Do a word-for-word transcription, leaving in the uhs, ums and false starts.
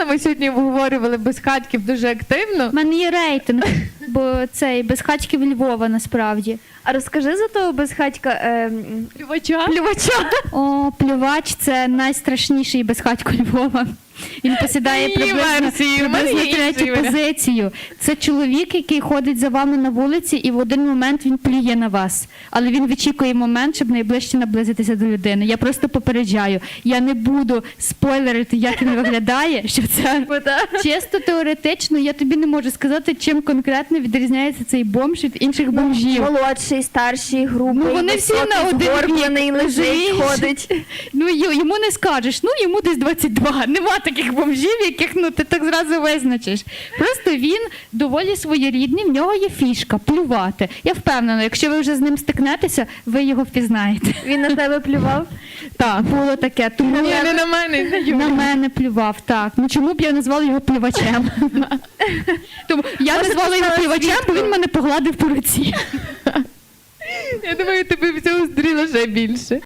Ми сьогодні обговорювали безхатьків дуже активно. У мене є рейтинг, бо цей безхатьків Львова насправді. А розкажи за того безхатька. Е, Плювача. плювача. О, плювач – це найстрашніший безхатько Львова. Він посідає Її приблизно, версії, в мене приблизно є інший третю варіант. позицію. Це чоловік, який ходить за вами на вулиці, і в один момент він плює на вас. Але він вичікує момент, щоб найближче наблизитися до людини. Я просто попереджаю. Я не буду спойлерити, як він виглядає, що це чисто теоретично. Я тобі не можу сказати, чим конкретно відрізняється цей бомж від інших бомжів. Молодший, старший, грубий, Ну, вони всі високий, на один вік, згорблений, лежить, розумієш? ходить. Ну, й- йому не скажеш, ну, йому десь двадцять два. Нема таких бомжів, яких, ну, ти так зразу визначиш. Просто він доволі своєрідний, в нього є фішка – плювати. Я впевнена, якщо ви вже з ним стикнетеся, ви його впізнаєте. Він на тебе плював? Так, було таке. Тому Ні, не на мене, на Юлю. на мене плював, так. Ну, чому б я назвала його плювачем? Тому я Може, назвала його поставила плювачем, бо свічку? він мене погладив по руці. Я думаю, тебе всього зустріла ще більше.